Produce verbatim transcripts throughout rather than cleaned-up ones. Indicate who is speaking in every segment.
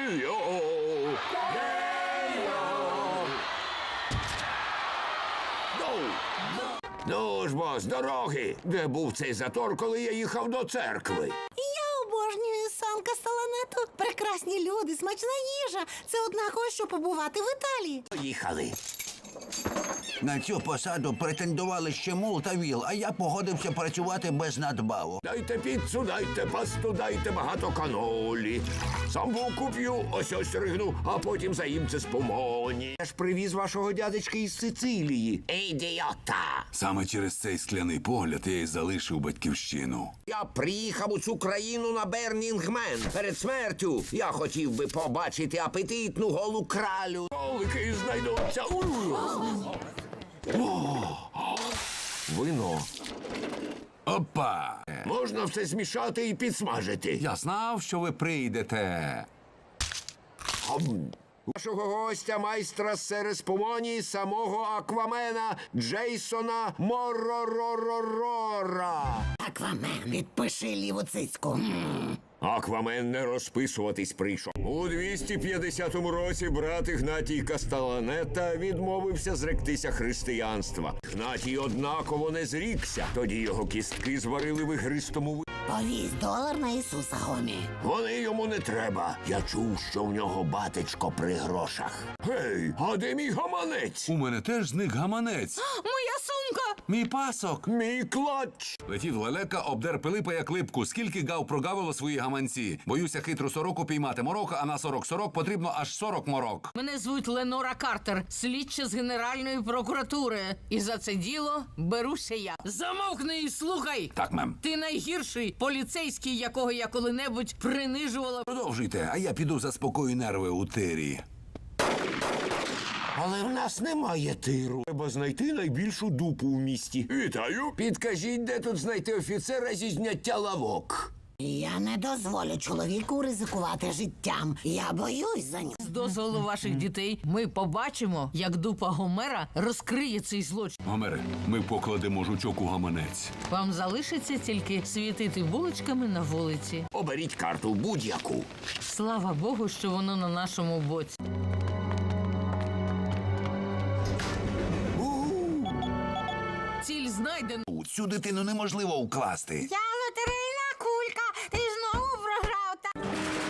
Speaker 1: Гей-йо! Ну ж бо, з дороги! Де був цей затор, коли я їхав до церкви?
Speaker 2: Я обожнюю сан Кастеланету. Прекрасні люди, смачна їжа. Це однаково, що побувати в Італії.
Speaker 1: Поїхали.
Speaker 3: На цю посаду претендували ще Мул та Віл, а я погодився працювати без надбавок.
Speaker 1: Дайте піцу, дайте пасту, дайте багато канолі. Самбуку п'ю, ось ось ригну, а потім заїм це з помоні. Я ж привіз вашого дядечка із Сицилії. Ідіота!
Speaker 4: Саме через цей скляний погляд я й залишив батьківщину.
Speaker 1: Я приїхав у цю країну на Бернінгмен. Перед смертю я хотів би побачити апетитну голу кралю. Колики знайдуться. Вино.
Speaker 4: Опа!
Speaker 1: Можна все змішати і підсмажити.
Speaker 4: Я знав, що ви прийдете.
Speaker 1: Нашого гостя, майстра сереспомонії, самого Аквамена Джейсона Моророророра.
Speaker 2: Аквамен, підпиши ліву цицьку. М.
Speaker 1: Аквамен не розписуватись прийшов. У двісті п'ятдесятому році брат Ігнатій Кастеланета відмовився зректися християнства. Ігнатій однаково не зрікся. Тоді його кістки зварили в ігристому ви...
Speaker 2: Повісь долар на Ісуса, гомі.
Speaker 1: Вони йому не треба. Я чув, що в нього батечко при грошах. Гей, а де мій гаманець?
Speaker 4: У мене теж зник гаманець.
Speaker 2: Моя сумка!
Speaker 4: Мій пасок.
Speaker 1: Мій клач.
Speaker 4: Летів лелека, обдер Пилипа як липку. Скільки гав прогавило свої гаманці. Боюся хитру сороку піймати морока, а на сорок сорок потрібно аж сорок морок.
Speaker 5: Мене звуть Ленора Картер, слідча з Генеральної прокуратури. І за це діло беруся я. Замовкни і слухай!
Speaker 4: Так, мем.
Speaker 5: Ти найгірший поліцейський, якого я коли-небудь принижувала.
Speaker 4: Продовжуйте, а я піду заспокою нерви у тирі.
Speaker 1: Але в нас немає тиру. Треба знайти найбільшу дупу в місті. Вітаю. Підкажіть, де тут знайти офіцера зі зняття лавок?
Speaker 2: Я не дозволю чоловіку ризикувати життям. Я боюсь за нього.
Speaker 5: З дозволу ваших дітей ми побачимо, як дупа Гомера розкриє цей злочин.
Speaker 4: Гомере, ми покладемо жучок у гаманець.
Speaker 5: Вам залишиться тільки світити вуличками на вулиці.
Speaker 1: Оберіть карту будь-яку.
Speaker 5: Слава Богу, що воно на нашому боці. Ціль знайдена.
Speaker 3: Цю дитину неможливо вкласти.
Speaker 2: Я лотерейна кулька. Ти знову програв. Та...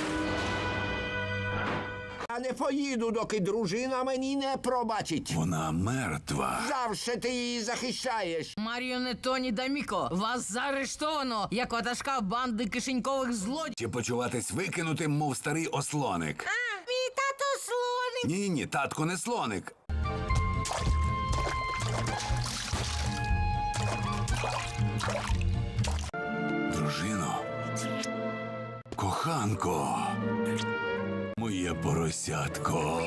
Speaker 1: Я не поїду, доки дружина мені не пробачить.
Speaker 4: Вона мертва.
Speaker 1: Завше ти її захищаєш.
Speaker 5: Маріонетоні Даміко, вас заарештовано як ватажка банди кишенькових злодіїв.
Speaker 4: Чи почуватись викинутим, мов старий ослоник?
Speaker 2: А, мій тато слоник.
Speaker 4: Ні-ні, татко не слоник. Дружино, коханко, моє поросятко.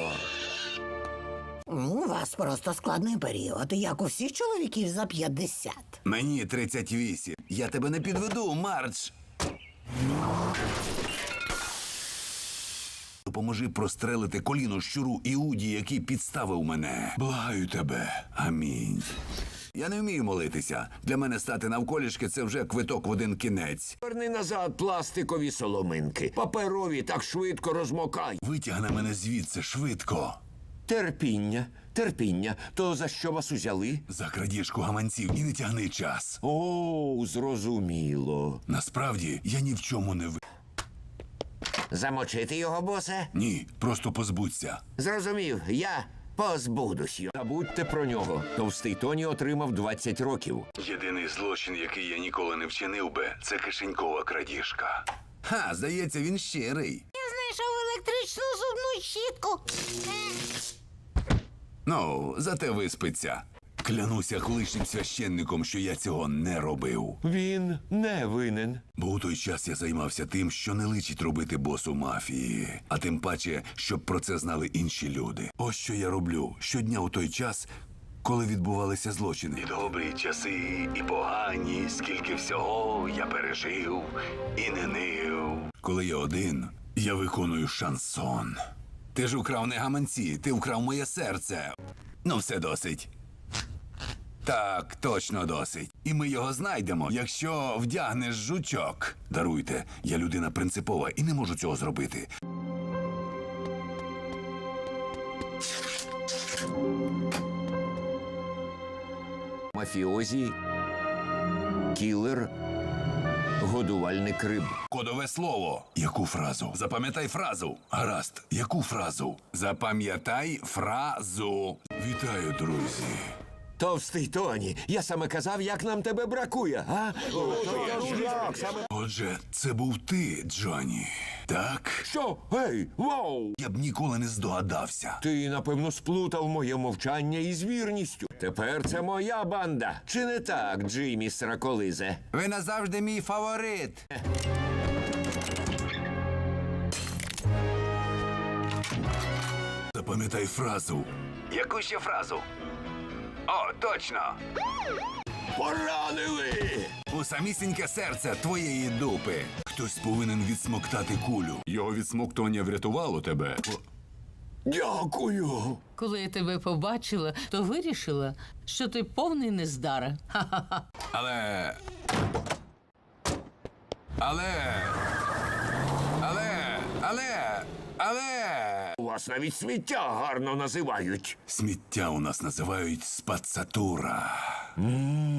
Speaker 2: У вас просто складний період, як у всіх чоловіків за п'ятдесят.
Speaker 4: Мені тридцять вісім. Я тебе не підведу, Мардж. Допоможи прострелити коліно щуру Іуді, який підставив мене. Благаю тебе. Амінь. Я не вмію молитися. Для мене стати навколішки – це вже квиток в один кінець.
Speaker 1: Верни назад пластикові соломинки. Паперові так швидко розмокай.
Speaker 4: Витягни мене звідси швидко.
Speaker 1: Терпіння, терпіння. То за що вас узяли?
Speaker 4: За крадіжку гаманців і не тягни час.
Speaker 1: О, зрозуміло.
Speaker 4: Насправді, я ні в чому не ви...
Speaker 1: Замочити його, босе?
Speaker 4: Ні, просто позбудься.
Speaker 1: Зрозумів, я позбудусь його. Забудьте про нього. Товстий Тоні отримав двадцять років.
Speaker 4: Єдиний злочин, який я ніколи не вчинив би, це кишенькова крадіжка. Ха, здається, він щирий.
Speaker 2: Я знайшов електричну зубну щітку.
Speaker 4: Ну, зате виспиться. Клянуся колишнім священником, що я цього не робив.
Speaker 1: Він не винен.
Speaker 4: Бо у той час я займався тим, що не личить робити босу мафії. А тим паче, щоб про це знали інші люди. Ось що я роблю щодня у той час, коли відбувалися злочини. І добрі часи, і погані, скільки всього я пережив і не нив. Коли я один, я виконую шансон. Ти ж украв не гаманці, ти вкрав моє серце. Ну, все досить. Так, точно досить. І ми його знайдемо, якщо вдягнеш жучок. Даруйте, я людина принципова і не можу цього зробити.
Speaker 1: мафіозі, кілер, годувальник риб.
Speaker 4: Кодове слово. Яку фразу? Запам'ятай фразу. Гаразд. Яку фразу? Запам'ятай фразу. Вітаю, друзі.
Speaker 1: Товстий Тоні, я саме казав, як нам тебе бракує, а?
Speaker 4: Отже, це був ти, Джонні. Так?
Speaker 1: Що? Гей, вау!
Speaker 4: Я б ніколи не здогадався.
Speaker 1: Ти, напевно, сплутав моє мовчання із вірністю. Тепер це моя банда. Чи не так, Джиммі Сраколизе?
Speaker 3: Ви назавжди мій фаворит.
Speaker 4: Запам'ятай фразу. Яку ще фразу? О, точно!
Speaker 1: Поранили!
Speaker 4: У самісіньке серце твоєї дупи. Хтось повинен відсмоктати кулю. Його відсмоктування врятувало тебе. О,
Speaker 1: Дякую.
Speaker 5: Коли я тебе побачила, то вирішила, що ти повний нездара. Ха-ха-ха.
Speaker 4: Але. Але. Але. Але. Але.
Speaker 1: У вас навіть сміття гарно називають.
Speaker 4: Сміття у нас називають спацатура.
Speaker 1: Ммм,